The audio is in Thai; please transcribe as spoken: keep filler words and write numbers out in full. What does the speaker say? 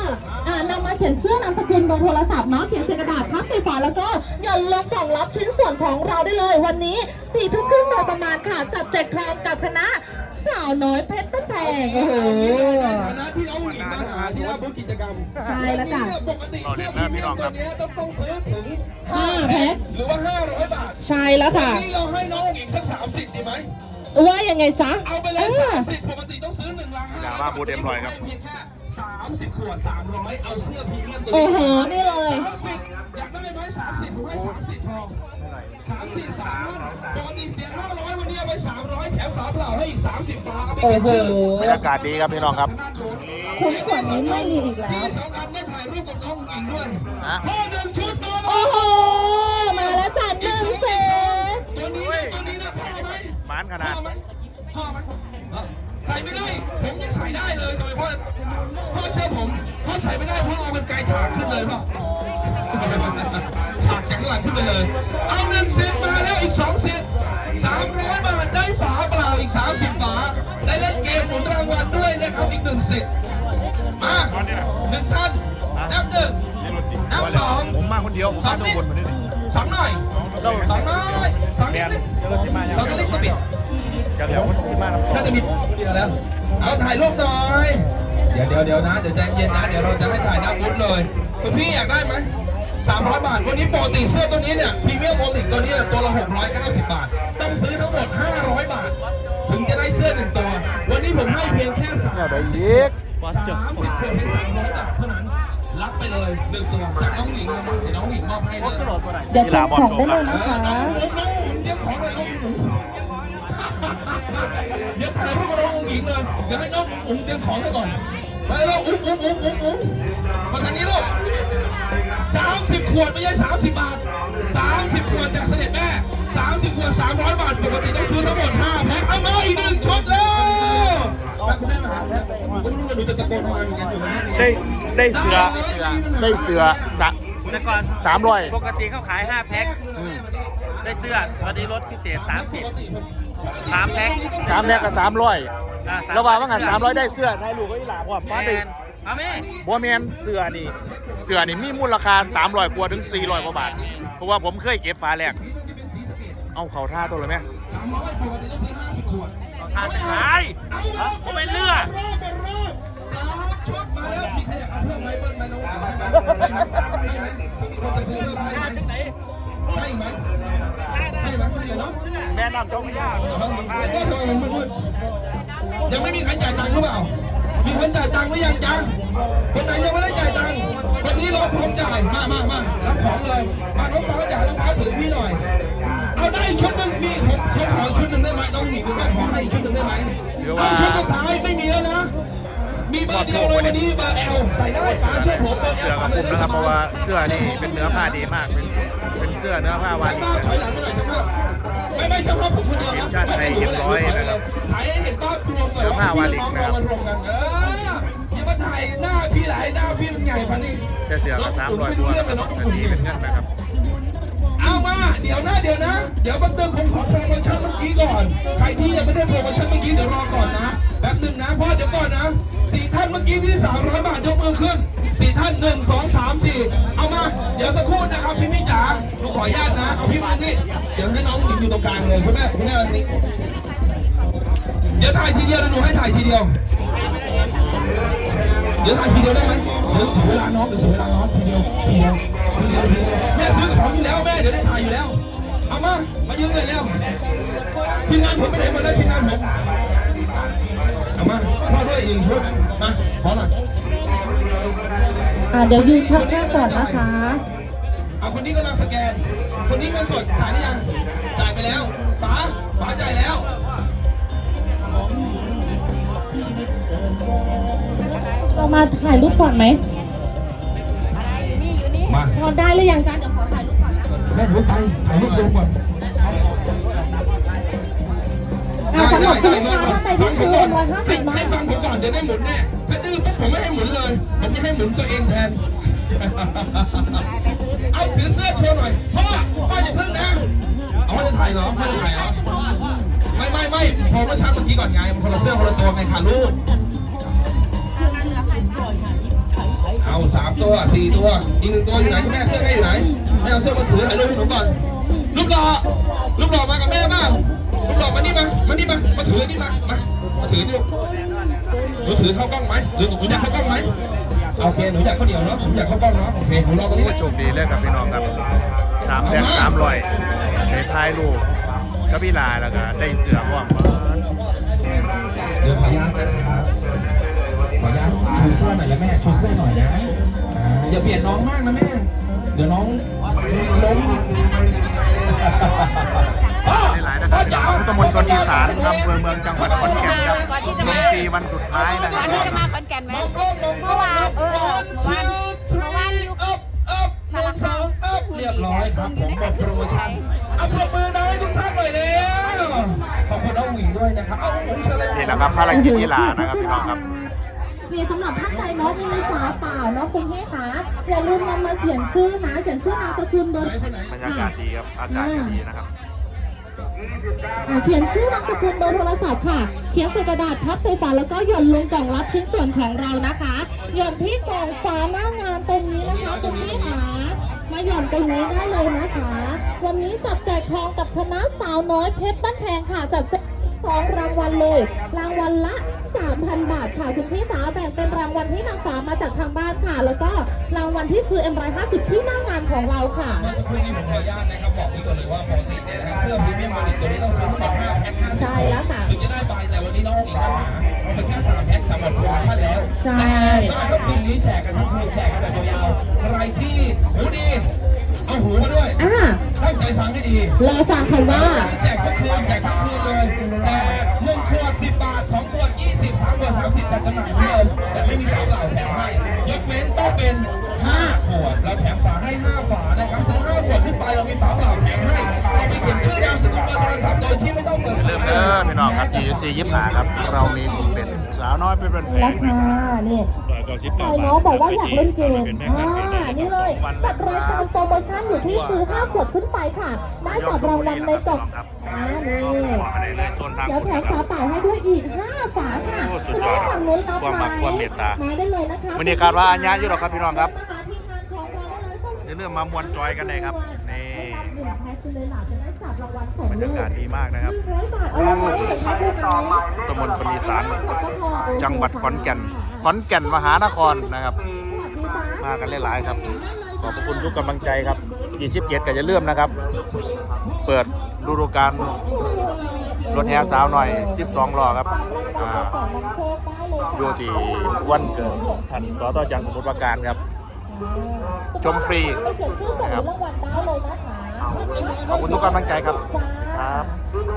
อ่านำมาเขียนชื่อนามสกุลเบอร์โทรศัพท์เนาะเขียนใส่กระดาษพับใส่ฝาแล้วก็หย่อนลงกล่องรับชิ้นส่วนของเราได้เลยวันนี้สี่ทุ่มครึ่งโดยประมาณค่ะจับแจกทองกับคณะสาวน้อยเพชรต้นแพงโอ้โหในฐานะที่เอาหญิงมาหาที่หน้าบูธกิจกรรมใช่แล้วจ้ะปกติเสื้อพรีเมียมตัวนี้ต้องต้องซื้อถึงห้าแพ็คหรือว่าห้าร้อยบาทใช่แล้วค่ะวันนี้เราให้น้องหญิงสักสามสิบดีไหมว่ายังไงจ๊ะเอาไปเลยสามสิบปกติต้องซื้อหนึ่งลังห้าร้อยบาทบูธเอ็มร้อยครับเพียงแค่สามสิบขวดสามร้อยเอาเสื้อพรีเมียมตัวนี้โอ้โหนี่เลยสามสิบอยากได้ไหมสามสิบผมให้สามสิบพอสามสี่สามท่านปกติเสียห้าร้อยวันนี้เอาไปสามร้อยแถมฝาเปล่าให้อีกสามสิบฝาเอาไปเป็นชื่อบรรยากาศดีครับพี่น้องครับคุ้มกว่านี้ไม่มีอีกแล้วที่สำคัญได้ถ่ายรูปกับน้องหญิงด้วยพ่อหนึ่งชุดมาโอ้โหมาแล้วจัดหนึ่งเซตตัวนี้นะตัวนี้นะพ่อไหมหมานขนาดพ่อไหมพ่อไหมใส่ไม่ได้ผมยังใส่ได้เลยโดยพ่อพ่อเชื่อผมพ่อใส่ไม่ได้พ่อเอามันไกลถากขึ้นเลยป่ะถากจากข้างหลังขึ้นไปเลยเอาหนึ่งเซตมาแล้วอีกสองเซตสามร้อยบาทได้ฝาเปล่าอีกสามสิบฝาได้เล่นเกมหมุนรางวัลด้วยนะครับอีกหนึ่งเซตมาหนึ่งท่านนับหนึ่งนับสองผมมาคนเดียวผมมาตัวคนมาด้วยสองหน่อยสองน้อยสองนิดนึงสองนิดก็ปิดเดี๋ยวคนที่มาน่าจะมีเดียวแล้วเอาถ่ายรูปหน่อยเดี๋ยวเดี๋ยวเดี๋ยวนะเดี๋ยวใจเย็นนะเดี๋ยวเราจะให้ถ่ายหน้าบูธเลยคุณพี่อยากได้ไหมสามร้อยบาทวันนี้ปกติเสื้อตัวนี้เนี่ยพรีเมียมโอลิกตัวนี้ตัวละหกร้อยเก้าสิบบาทต้องซื้อทั้งหมดห้าร้อยบาทถึงจะได้เสื้อหนึ่งตัววันนี้ผมให้เพียงแค่สามสามสิบขวดเพียงสามร้อยบาทเท่านั้นรับไปเลยหนึ่งตัวจากน้องหญิงเลยนะเดี๋ยวน้องหญิงมอบให้เลยเดี๋ยวจับของได้เลยนะคะน้องหญิงเดี๋ยวของเลยน้องหญิงเดี๋ยวถ่ายรูปกับน้องหญิงเลยเดี๋ยวให้น้องอุ้งเตรียมของให้ก่อนไปแล้วอุ้งอุ้งอุ้งอุ้งอุ้งมาทางนี้ลูกสามสิบขวดไม่ใช่สามสิบบาทสามสิบขวดจากเสด็จแม่สามสิบขวดสามร้อยบาทปกติต้องซื้อทั้งหมดห้าแพ็คเอามาอีกหนึ่งชุดแล้วคุณแม่มาหาผมก็ไม่รู้ว่าหนูจะตะโกนทำไมเหมือนกันอยู่นะได้ได้เสือได้เสือสะแต่ก่อนสามร้อยปกติเขาขายห้าแพ็คได้เสื้อตอนนี้ลดพิเศษสามสิบสามแพ็คสามแพ็คกับสามร้อยระหว่างว่างานสามร้อยได้เสื้อได้ลูกก็อีหลาว่าป้าไปเอาไหมบัวแมนเสื้อนี่เสื้อนี่มีมูลราคาสามร้อยกว่าถึงสี่ร้อยกว่าบาทเพราะว่าผมเคยเก็บฝาแรกเอาเข่าท่าตัวเลยไหมสามร้อยปกติต้องซื้อห้าสิบขวดทานจะขายผมเป็นเลือดสามชุดมาแล้วมีใครอยากเอาเพิ่มไหมเพิ่มไหมน้องให้ไหมให้ไหมมีคนจะซื้อเพิ่มให้ไหมให้ไหมให้ไหมให้เลยเนาะแม่น้ำจ้องไม่ยากยังไม่มีใครจ่ายตังค์หรือเปล่ามีคนจ่ายตังค์หรือยังจังคนไหนยังไม่ได้จ่ายตังค์คนนี้เราพร้อมจ่ายมามามารับของเลยมาน้องฟ้าจ่ายน้องฟ้าถือพี่หน่อยเอาได้ชุดหนึ่งมีผมเขาขอชุดหนึ่งได้ไหมน้องหนิคุณแม่ขอให้ชุดหนึ่งได้ไหมเอาชุดสุดท้ายไม่มีแล้วนะมีเบอร์เดียวเลยวันนี้เบอร์ L ใส่ได้ฟ้าช่วยผมเบอร์ L ฟ้าเลยได้สบายเพราะว่าเสื้อนี่เป็นเนื้อผ้าดีมากเป็นเป็นเสื้อเนื้อผ้าวานิชถอยหลังไปหน่อยเฉพาะไม่ไม่เฉพาะผมคนเดียวนะไม่ไม่หนูแหละถ่ายให้เห็นภาพรวมก่อนว่าพี่น้องเรามารวมกันเอออย่ามาถ่ายหน้าพี่หลายหน้าพี่มันใหญ่พันนี่แต่เสื้อก็สามร้อยตัวเป็นเงินนะครับเอามาเดี๋ยวนะเดี๋ยวนะเดี๋ยวแป๊บนึงผมขอโปรโมชั่นเมื่อกี้ก่อนใครที่ยังไม่ได้โปรโมชั่นเมื่อกี้เดี๋ยวรอก่อนนะแป๊บนึงนะพ่อเดี๋ยวก่อนนะสี่ท่านเมื่อกี้ที่สามร้อยบาทยกมือขึ้นสี่ท่านหนึ่งสองสามสี่เอามาเดี๋ยวสักครู่นะครับพี่พี่จ๋าหนูขออนุญาตนะเอาพี่มานี่เดี๋ยวให้น้องหญิงอยู่ตรงกลางเลยคุณแม่คุณแม่มาทางนี้เดี๋ยวถ่ายทีเดียวนะหนูให้ถ่ายทีเดียวเดี๋ยวถ่ายทีเดียวได้ไหมเดี๋ยวถึงเวลาน้องเดี๋ยวถึงเวลาน้องทีเดียวทีเดียวทีเดียวทีเดียวแม่ซื้อของอยู่แล้วแม่เดี๋ยวได้ถ่ายอยู่แล้วเอามามายืนเลยแล้วทีมงานผมไม่ได้มาแล้วทีมงานผมเอามาพ่อด้วยอีกหนึ่งชุดมาขอหน่อยอ่าเดี๋ยวยืนชักแค่ก่อนนะคะเอาคนนี้กำลังสแกนคนนี้เงินสดจ่ายได้ยังจ่ายไปแล้วป๋าป๋าจ่ายแล้วเรามาถ่ายรูปก่อนไหมมาพอได้หรือยังจ๊ะเดี๋ยวขอถ่ายรูปก่อนนะแม่ถือไปถ่ายรูปรวมก่อนได้ได้ได้ได้ฟังผมก่อนให้ให้ฟังผมก่อนเดี๋ยวได้หมุนแน่ถ้าดื้อผมไม่ให้หมุนเลยผมจะให้หมุนตัวเองแทนเอาถือเสื้อโชว์หน่อยพ่อพ่ออย่าเพิ่งนะเอาไม่จะถ่ายเหรอไม่จะถ่ายเหรอไม่ไม่ไม่พอเมื่อเช้าเมื่อกี้ก่อนไงมันคนละเสื้อคนละตัวไงค่ะลูกอเอาสามตัวสี่ตัวอีกหนึ่งตัวอยู่ไหนคุณแม่เสื้อแม่อยู่ไหนแม่เอาเสื้อมาถือให้ลูกให้หนูก่อนลูกหล่อลูกหล่อมากับแม่บ้างลูกหล่อมานี่มามานี่มามาถือนี่มามามาถือนี่ลูกหนูถือเข้ากล้องไหมหรือหนูอยากเข้ากล้องไหมโอเคหนูอยากข้าวเหนียวเนาะผมอยากเข้ากล้องเนาะโอเคหนูรอตรงนี้โอ้โชคดีเลยครับพี่น้องครับสามแพ็คสามร้อยในท้ายลูกก็พี่ลาแล้วก็ได้เสือพ่วงเดี๋ยวขออนุญาตนะครับขออนุญาตชูเสื้อหน่อยแล้วแม่ชูเสื้อหน่อยนะอ่าอย่าเปลี่ยนน้องมากนะแม่เดี๋ยวน้องล้มหลายๆนะครับพี่น้องพุทธมณฑลอีสานอำเภอเมืองจังหวัดขอนแก่นครับดนตรีวันสุดท้ายนะคก่รัอบ นที่จะมาขอนแก่นไหมมองกล้องมองกล้องนะเมื่อวานเออ one two เมื่อวาน three up up หนึ่งสอง up เรียบร้อยครับผมหมดโปรโมชั่นเอาปรบมือน้อยทุกท่านหน่อยเร็วขอบคุณน้องหวิงด้วยนะครับเอาหวิงเชิญเลยนี่แหละครับภารกิจกีฬานะครับพี่น้องครับมีสำหรับท่านใดเนาะมีฝาเปล่าเนาะคุณพี่คะอย่าลืมนำมาเขียนชื่อนะเขียนชื่อนามสกุลเบอร์บรรยากาศดีครับอากาศก็ดีนะครับอ่าเขียนชื่อนามสกุลเบอร์โทรศัพท์ค่ะเขียนใส่กระดาษพับใส่ฝาแล้วก็หย่อนลงกล่องรับชิ้นส่วนของเรานะคะหย่อนที่กล่องฝาหน้างานตรงนี้นะคะคุณพี่คะมาหย่อนตรงนี้ได้เลยนะคะ วันนี้จับแจกทองกับคณะสาวน้อยเพชรบ้านแพงค่ะจับแจกสองรางวัลเลยรางวัลละ สามพัน บาทค่ะคุณพี่จ๋าแบ่งเป็นรางวัลที่นางฟ้ามาจากทางบ้านค่ะ แล้วก็รางวัลที่ซื้อ เอ็ม หนึ่งร้อยห้าสิบ ที่หน้างานของเราค่ะเมื่อสักครู่นี้ผมขออนุญาตนะครับบอกนี้ก่อนเลยว่าปกติเนี่ยนะฮะเสื้อพรีเมียมมาริตัวนี้ต้องซื้อทั้งหมดห้าแพ็คห้าสิบใช่แล้วค่ะถึงจะได้ไปแต่วันนี้น้องอีกมาหาเอาไปแค่สามแพ็คแต่หมดโปรโมชั่นแล้วใช่แต่สำหรับคืนนี้แจกกันทั้งคืนแจกกันแบบยาวๆใครที่หูดีเอาหูมาด้วยอ่าตั้งใจฟังให้ดีรอฟังคำว่าวันนี้แจกทุกคืนแจกทั้งคืนเลยแต่หนึ่งขวดสิบบาทสองขวดยี่สิบสามขวดสามสิบจัดจำหน่ายเหมือนเดิมแต่ไม่มีฝาเปล่าแถมให้ยกเว้นต้องเป็นห้าขวดเราแถมฝาให้ห้าฝานะครับซื้อห้าขวดขึ้นไปเรามีฝาเปล่าแถมให้เอาไปเขียนชื่อนามสกุลเบอร์โทรศัพท์โดยที่ไม่ต้องเปิดเริ่มเด้อพี่น้องครับ จี ซี ยิบหาครับ เรามีกลุ่มเป็นสาวน้อยเป็นแผราคานี่ก็สิบใครเก้าบาทน้องบอกว่าอยากเล่นเกมเป็นแม่อ่าค้าเกมได้นี่เลยวันจัดรายการโปรโมชั่นอยู่ที่ซื้อห้าขวดขึ้นไปค่ะ ได้จับรางวัลในกล่องอ่านี่บอกมาได้เลยโซนทางเดี๋ยวแถมฝาเปล่าให้ด้วยอีกห้าฝาค่ะโอ้สุดคุณยอดผู้ฝั่งนู้นรับความไหมรักความเมตตามาได้เลยนะคะวันนี้คาดว่าอัญญาอยู่หรอกครับพี่น้องครับนะคะทีมงานของเราได้เลยส่งอย่าลืมมามวนจอยกันเลยครับนี่หนึ่งแพ็คคุณเลยหล่ะจะได้จับรางวัลสองบรรลูยาก กาศดีมากนะครับหนึ่งร้อยบาทเอารางวัลที่หนึ่งให้ด้วยไหมตำบลพลีสารจังหวัดขอนแก่น ขอนแก่นมหานครนะครับ มากันหลายๆครับ ขอบพระคุณทุกกำลังใจครับยี่สิบเจ็ดก็จะเริ่าลืมนะครับ เปิดฤดูกาลรถแห่สาวหน่อยสิบสองล้อครับอ่าอยู่ที่วันเกิดท่านสตจังสมุทรปราการครับ ชมฟรีนะครับ ขอบคุณทุกกำลังใจครับครับ